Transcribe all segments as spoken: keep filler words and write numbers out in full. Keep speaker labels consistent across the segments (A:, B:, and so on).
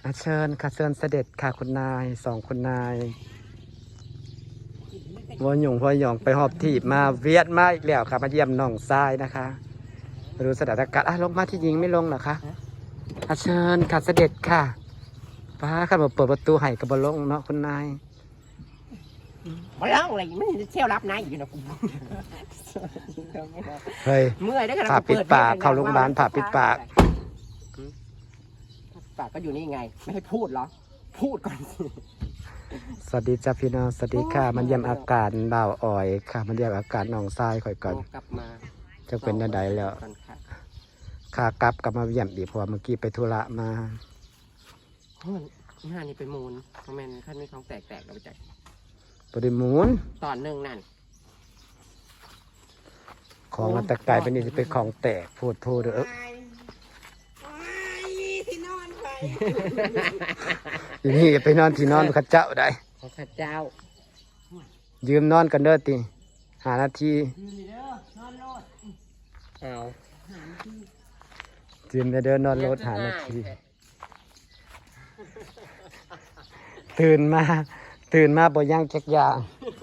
A: เชิญค่ะเชิญเสด็จค่ะคุณนายสองคุณนายวัวหยงวัวหยองไปหอบถีบมาเวียดมาอีกแล้วค่ะมาเยี่ยมน้องทรายนะคะมาดูสถานการณ์อ่ะลงมาที่ยิงไม่ลงเหรอคะอาเชิญค่ะเสด็จค่ะป้าข้ามาเปิดประตูให้กับบอลลงเนาะคุณนาย
B: บอลลงอะไรมันเที่ยวรับนายอยู่นะกู
A: เฮ้ย
B: เมื่อยได้ขนาด
A: ผ่าปิดปากเข้าโรงพยาบาลผ่าปิดปาก
B: ปากก็อยู่นี่ไงไม่ให้พูดเหรอพูดก่อนสิ
A: สวัสดีจ้าพี่น้องสวัสดีค่ะมันเยี่ยมอาการบ่าวอ่อยค่ะมันเยี่ยมอาการน้องทรายค่อยก่อน
B: กลับมา
A: จะเป็นได้แล้วขากลับกลับมาเยี่ยมดีเพราะเมื่อกี้ไปธุระมา
B: หน้านี่ไปมูลคอมเมนต์ขั้นมีของแตกแตกเราไปจัด
A: ปริมูล
B: ตอนหนึ่งนั่น
A: ของมันตะกายเป็นนี่จะเป็นของแตกพูดพูดเออทีนี้ไปนอนที่นอนข้าเจ้าได้
B: ข้าเจ้า
A: ยืมนอนกันเด้อตีหานาที
B: เอา
A: ยืมเด้อนอนรถหานาทีตื่นมาตื่นมาบ่ย่างแจ๊กย่าง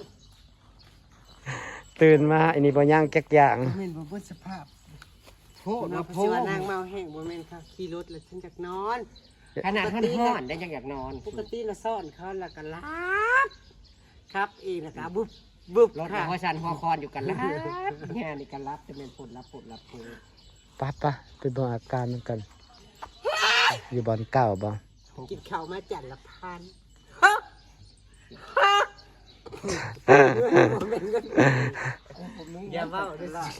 A: ตื่นมาอันนี้บ่ย่างแจ๊กย่าง
C: เมนบ่เบิดสภาพ
B: โพด
C: มาโพดนางเมาแห้งบ่แม่นค่ะขี่รถแล้วฉันอยากนอน
B: ขนาดท่านห้อนได้ยังอยากนอน
C: ปกติเราซ่อนเขาแล้วก็รับครับเองนะคะบุบบุบ
B: รถหัวชันหัวคอนอยู่กันรับแง่นี่กันรับจะเป็นผลรับผลรับผล
A: ป้าป้าไปดูอาการมันกันอยู่บอนเก่าบ่
C: กินข้าวมาจัดละพันอย่าเว้าด้วยล่ะ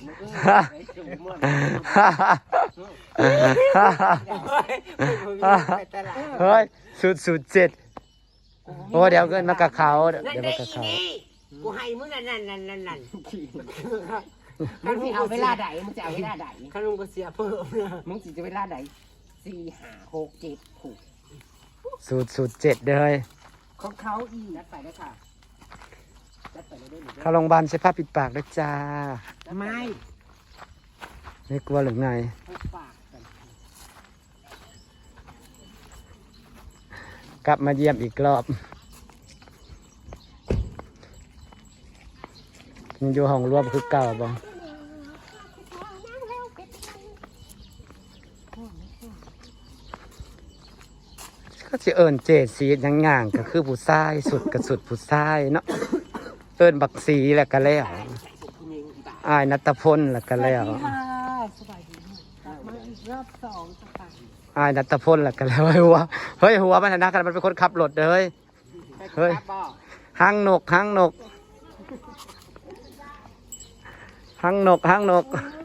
A: เฮ้ยสุดสุดเจ็ดโอ้เดี๋ยวเกินมากระเขาเดี๋ยวมากระเขา
C: กูให้มึงนั่นนั่นนั่นนั่นนั่น
B: มึงจะเอาเวลาใดมึงจะเอาเวลาใด
C: ข้าลุงก็เสียเพิ่มนะ
B: มึงจะเวลาใดสี่ห้าหกเจ็ดหก
A: สุดสุดเจ็ดเลย
B: ของเขาอีนัดไปได้ค่ะ
A: เข้าโรงพยาบาลใช้ผ้าปิดปากด้วยจ้า
B: ไม่
A: ไม่กลัวหรือไงกลับมาเยี่ยมอีกรอบยังอยู่ห้องรวมคือเก่าบ่ก็จะเอิญเจดสียังง่างก็คือผู้ชายสุดกับสุดผู้ชายเนาะเอิญบักสีแหละก็แล้วอายนัตพลแหละก็แล้วอายนัตพลแหละก็แล้วเฮ้ยหัวเฮ้ยหัวมันนะกันมันเป็นคนขับรถเลยเฮ้ยหางนกหางนกหางนกหางนก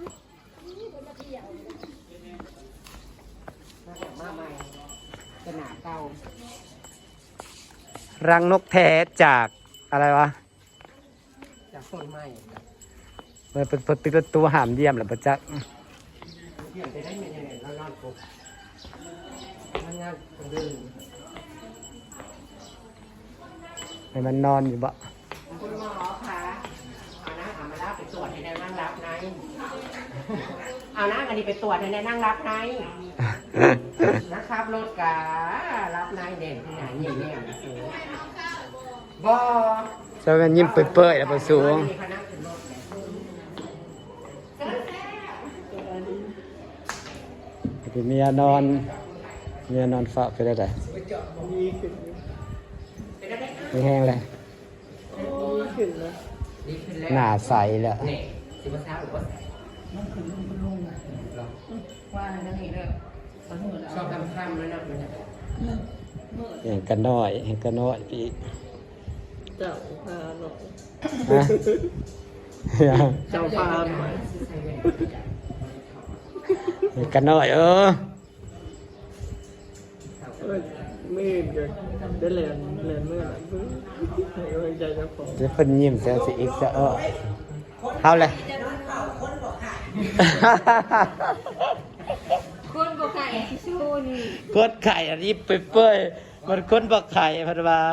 A: รังนกแท้จากอะไรวะ
B: จากต้นไม้
A: มันเป็นเป็นประตูหามเยี่ยมหรือประจักษ์
B: เยี่ยมไปได้ยังไงแล้วนอนปุ๊บมันงานคนเดิน
A: ให้มันนอนอยู่บ่
B: คุณหมอคะเอานะเอามารับไปตรวจให้ในนั่งรับในเอานะอันนี้ไปตรวจให้ในนั่งรับในนะครับรถการับในเด่นที่ไหนยิ่งเนี่ยบ่
A: จะเป็นยิ้มเปื่อยๆแล้วประสูงเมียนอนเมียนอนฝากไปได้ไหมไม่แห้งเลยหน้าใสแล้ว
B: ชอบทำข้ามเลยนะ
A: เห็นกันน้อยเห็นกันน้อยพี่
C: เจ้าพาหน่อยเจ้าพาหน่อย
A: เห็นกันน้อยเออ
C: มืดกันได้แลนแลนเมื่อไหร่ให้กำลังใจเจ้าของ
A: จะเป็นยิ้มแซวสิอีกจะเออเอาเลย
D: คนบอกไข่ชูนี่
A: คนไข่อันนี้เปื่อยๆมันคนบอกไข่พันวา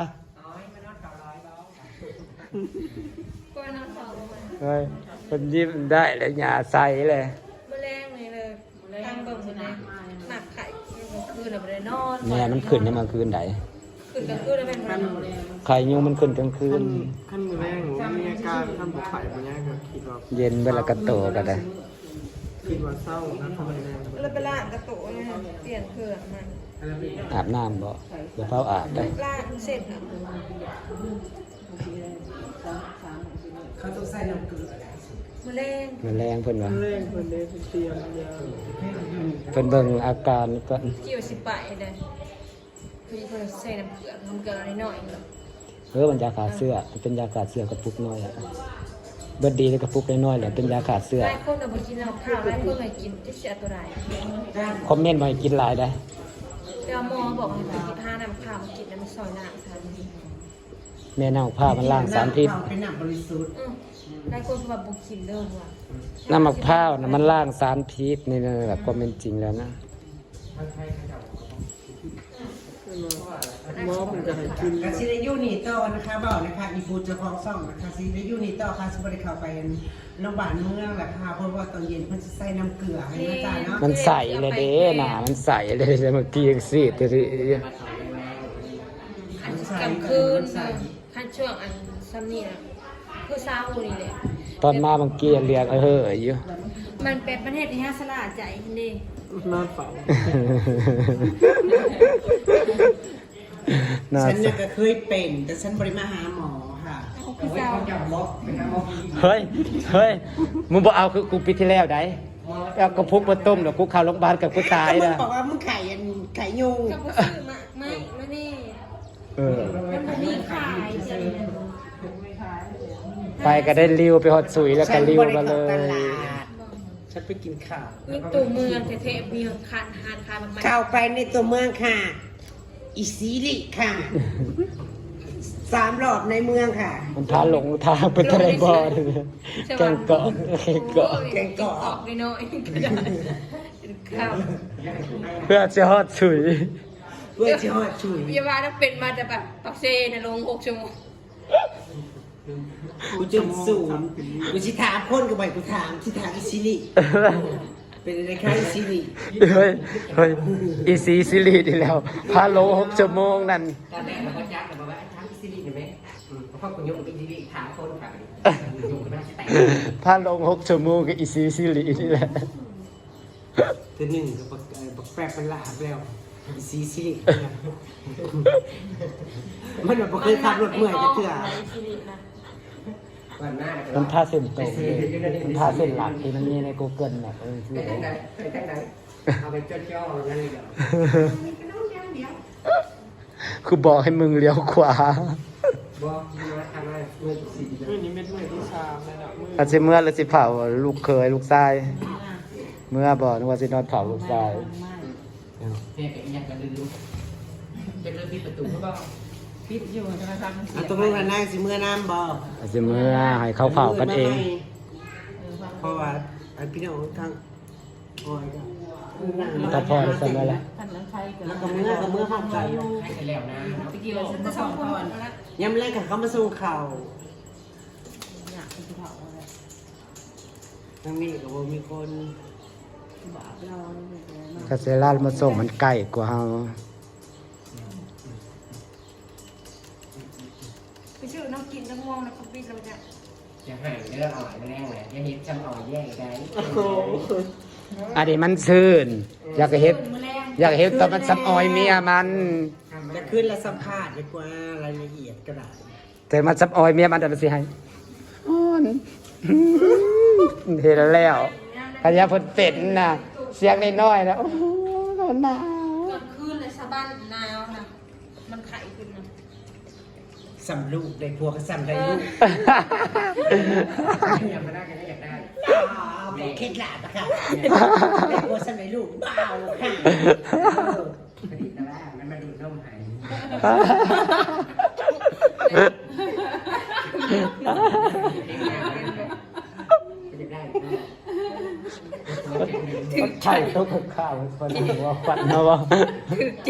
A: เฮ้ยคนยิ้มได้แล้วหยาใสเลย
D: แมลงเลยเลยตั้งเบิ่งเลยนะหนักไข่มันคืนเราไปเลยนอน
A: แม่มันขึ้นในกลางคืนไหน
D: คืนกลางคืนแล้วเป็นวัน
A: ไข่ยุงมันขึ้นกลางคื
C: ขั้
A: น
C: นขั้นมือแรกหนูมีอาการขั้นบุกไข่ปัญญาก็คิดว่า
A: เย็นเวลากระโตก็ได้
C: คิดว่าเศร้านะทำไมแรง
D: แล้วไปล่างกระโตะเนี่ยเปลี่ยนเครื่องมัน
A: อาบน้ำบ่เดี๋ยวเฝ้าอาบได้
D: ล่างเสร็จอ่ะ
B: เขาต้องใส่น้ำเกลือ
D: มะเร็ง
A: มันแรงเพิ่นว่า
C: แรงคนเดียวเตรียมยา
A: เพิ่นเบิ่งอาการก่อน
D: เกี่ยวสิไปเลยคือเพิ่นใส่น้ำเกลือน้ำเกลืออะไรหน่อย
A: เออมันยาขาดเสื้อมันเป็นยาขาดเสื้อกระปุกน้อยอะเบิดดีเลยกระปุกน้อยๆแหละเป็นยาขาดเสื้อ
D: หลายคนเราไปกินข้าวหลายคนเลยกินที่เสียตัวใด
A: คอมเมนต์มาให้กินหลายได้
D: แต่หมอบอกให้ไปกินผ้าน้ำข้าวกินแล้วมันซอยหน้าทัน
A: แม่น้ำผ้ามันล้างสารพิษ
B: เป็นน้ำบริสุทธิ์
D: อืมหลายคนว่าบุกินเด้อว่ะ
A: น้ำมะพร้าวนะมันล้างสารพิษนี่นะแบบความเป็นจริงแล้วนะ
C: หมอมันจะให้กิน
B: กซิได้ยูนี่ต่อนะคะบอกนะคะอีฟูจะคลองซ่องนะคะซิได้ยูนี่ต่อค่ะสมบัติเข้าไปโรงพยาบาลเมืองแหละค่ะเพราะว่าตอนเย็นเพิ่นจะใส่น้ำเกลือให้นะจ๊ะเนาะ
A: มันใสเลยเด้หนามันใสเลยเมื่อกี้ยังซีดเลย
D: อันกลางคืนขั้นช่วงอันซัมนี่นะคือซาอูนี่แหละ
A: ตอนมาบางกี้เรียกเอออยู่
D: มันเป็นประเทศที่น่าสลาดใจนี่
C: นอนเฝ้า
A: น่า
B: ฉัน
A: ส
B: เนี่ยก็เคยเป็นแต่ฉันบริมาหาหมอค่ะ
D: คือซาอู
A: เฮ้ยเฮ้ยมึงบอกเอาคือกูปีที่แล้วได้เอากระพุกมาต้มเดี๋ยวกูเข้าโรงพยาบาลกับกูตาย
B: มึง
A: นะ
B: บอกว่ามึงไข่อันไข่ยุง
D: กับผู้ซื้อมาไม่ไม่นี่
A: เออ
D: มันบ่มีขายจริง
A: ไปก็ได้ริวไปหดสุยแล้วก็ริวมาเลย
B: ฉันบ่ได้เข้าตลาดฉันไปกินข้าว
D: นี่ตัวเมืองเทพๆมีคันหานคายมาก
B: เข้าไปในตัวเมืองค่ะ อีซีริค่ะสามรอบในเมืองค่ะ
A: มันพาหลงทางไปทะเลบอลแกงเกาะแกงเกาะ
D: แกงเกาะออกน้อยๆก็ได้ข้าว
A: เพื่อจะหดสุย
B: เพื่อจะหอดชุย
D: พยาบาลต้องเป็นมาแต่แบบปักเซนะลงหกชั่วโมง
B: กูจนสูงกูชิถามคนกับไปกูถามชิถามอีซีริเป็นอะไรคะอีซีริ
A: เฮ้ยเฮ้ยอีซีซิลีดีแล้วพาหลงหกชั่วโมงนั่น
B: ตอนแรกเราก็จักแต่บอกว่าถามอีซีริเห็นไหมเพราะกูยกอีซีริถามคนค่ะอยู่กันน่าจะแต่ง
A: พาหลงหกชั่วโมงกับอีซีซิลีนี่แหละ
B: ตัวหนึ่งก็บักบักแปรเป็นลาบแล้วอีซีซิริมันแบบเคยขับรถเมื่อยจะเถื่อ
A: มันพาเส้นตรงเลยมันพาเส้นหลักที่มันมีใน Google แบบเออชื่อ
B: ไปทางไหนไปทางไหนเอาไปจ้อๆนั่นเลยเดี๋ยว
A: คือบอกให้มึงเลี้ยวขวา
B: บอกมาทำอะไรเมื่อสี่
C: มื่อนี้เม็ดมือที่ชามเลยนะมือ
A: อาจจะเมื่อหรือสิเผาลูกเคยลูกชาย เมื่อบอกนึกว่าสินอนเผาลูกชาย
B: แม่เป็นยังกันลืมจะเริ่มปิดประตูหรือเปล่าปิดอยู่ธนาคารมันเสียตรงนู้นน่ะนายสิเมื่อน้ำบ่
A: อาจจะเมื่อให้เขาเผากันเอง
B: เพราะว่าไอ้พี่น้องทางโอ้ย
A: ถ้าพ่อได้สำเร็จแล้ว
B: แล้วก็เมื่อก็เมื่อห้องกันให้กันแล้วนะ
D: ไปกี่วันจะสองคนแล้ว
B: ย้ำแรกกับเขามาส่งข่าวทางนี้ก็บ่มีคน
A: คาเซล่ามาส่งมันใกล้กว่าเฮา
D: ไปชื่อน้องกินน้องมองนะคุณพี่เราจะ
B: จะหายเรื่องอ่อยมาแรงเลยอย่าเห็นจำอ่อยแย่งได้
A: อันนี้มันซื่นอยากเฮ็ดอยากเฮ็ดตอนมันซับออยเมียมัน
B: จะขึ้นและสัมภาษณ์ดีกว่ารายละเอียดก็ได้
A: แต่มันซับออยเมียมันเดี๋ยวมันสิให้อ้อนเฮ็ดแล้วอันนี้เพิ่นเป็นน่ะเสียงน้อยๆนะโอ้โหหนาว
D: เกิดขึ้นเลยชาวบ้านนาวนะมันไข่ขึ้นนะ
B: สำลูกได้พวกก็สำได้ลูกอยากมาได้กันอยากได้บอกเคล็ดลับอะค่ะได้พวกสำได้ลูกเบาค่ะผลิตนะว่ามันมาดูดนมหายจะได้
A: ใช่ต้องกับข้าวคนหัวฟันนะวะ
D: คือใจ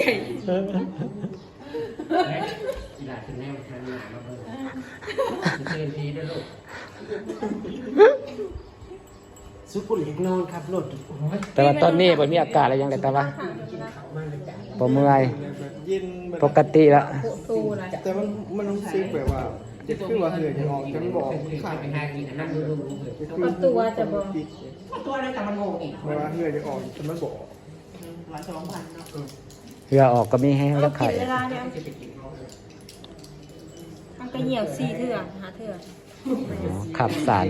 B: กีฬาคือแนวทางหนามาเบิ่งเชิญทีด้วยลูกซุปปุ่นเล็กนอนครับรถโอ้ย
A: แต่ว่าตอนนี้บ่มีอากาศอะไรยังไงแต่ว่าบ่เมื่อย
C: แบบเย็นแบบ
A: ปกติแล้ว
D: ตูนะ
C: แต่มันมันรู้สึกแบบว่าจะคือว่าเหือจะออกจะมันบอกขาด
B: ไปหากินอันนั้นดูดูดู
D: ประตูจะบอก
C: ปิด
B: ตัวนั้นแต่มันงงอีก
C: เวลาเหือจะออกจะมันบอก
B: ร้อยสองพันเนาะ
A: เรือออกก็มีแห้ง
D: เอา
A: แล้ว
D: กิ
A: ไข่
D: นเวลาเนี่ยมันก็เหี่ยวซีเถื่อหาเถื่อ
A: ขับสาร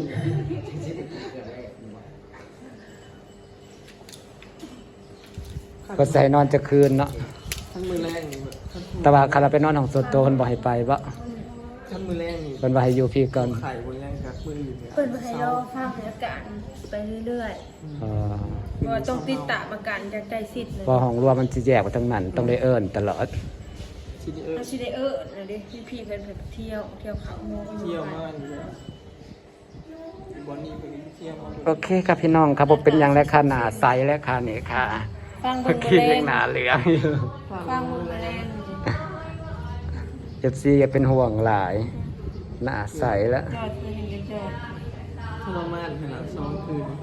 A: ก็ใส่นอนจะคืนเนาะ
C: ขั้นมือแรงนี่แบบ
A: แต่ว่าคันเราไปนอนของส่วนตัวเพิ่นบ่ให้ไปบ่
C: ขั้นมือแรงนี่
A: เพิ่นว่าให้อยู่พี่ก่อน
C: ไข่บนแรงครับมืออื่นเนี่ย
D: เปิดให้รอฟังสถานการณ์ไปเรื่อย
A: เออ
D: ๆเพราะว่าต้องติดตามอาการจากใจสิทธิ์เลย
A: เพอห้องรวมมันสิแยกไปทั้งนั้นต้องได้เอิ้นตลอด
C: ทีนี้เออ
D: เอาชิเดเออร์นะดิพี่พี่ๆเพิ่นไปเที่ยวเที่ยวเขาโมง
C: เที่ยวมากอยู่แล้วบอนนี่ไปเที่ยวมา
A: โอเคครับพี่น้องครับผมเป็นอย่างและค่ะหนาใสและค่ะนี่ค่ะ
D: ฟัง
A: เมื่
D: เบิ่
A: อง กี้
D: แร
A: ยัง งหนาเหลืองอยู่
D: ฟังเบิ่งแรง
A: เอฟซีก็เป็นห่วงหลาย หนาใสแล้ว
D: จอดคือเห็นกันจอด
C: ทรมานขนาดสองคืน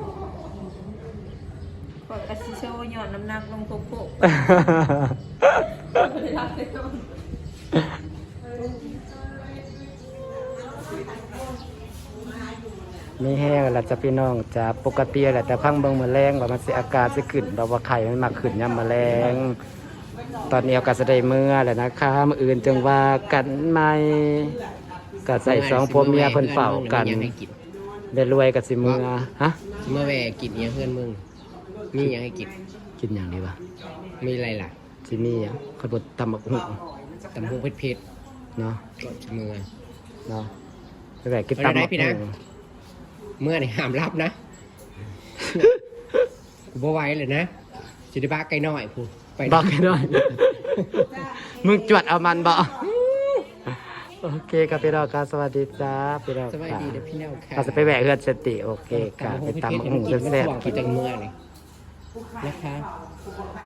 D: กดกระซิโซหย่อนน้ำหนักลงโปโปะไม่ได้รับเลยต้อง
A: มีแห้งแล้วจะพี่น้องจะปกติแหละแต่พังเบิ่งแมลงว่ามันสิอาการสิขึ้นแบบว่าไข่มันมาขึ้นยามแมลง ตอนนี้เอาก็จะได้เมื่อแล้วนะคะมื้ออื่นจึงว่ากันใหม่ก็ใส่สองผัวเมียเพิ่นเฝ้ากันได้รวยก็สิเมื่อฮะ
B: เมื่อแวกินเนี่ยเพื่อนมึงมียังให้กิน
A: กินอย่างนี้วะ
B: มีอะไรล่ะ
A: สิมีหยังขบดตำบักหุ่ง
B: ตำหูเผ็ด
A: เนาะ
B: ๆก็เมื่อ
A: เนาะไปแบกกินตำบักหุ่ง
B: เมื่อนี่ห้ามรับนะกูบ่ไหวเลยนะจิตบ้าไกลน้อยพูไป
A: บอกกันหน่อย มึงจวดเอามันบ่โอเคครับพี่น้องครับสวัสดีจ้าพี่น้อง
B: สบาย
A: ค่ะ
B: ดีเด้อพี่น้องค่ะ
A: เราจะไปแหวกเฮือนสติโอเคค่ะไปตำบักหุ่ง
B: กิน
A: แซ่บ
B: กินจังเมื่อเลยนะคะ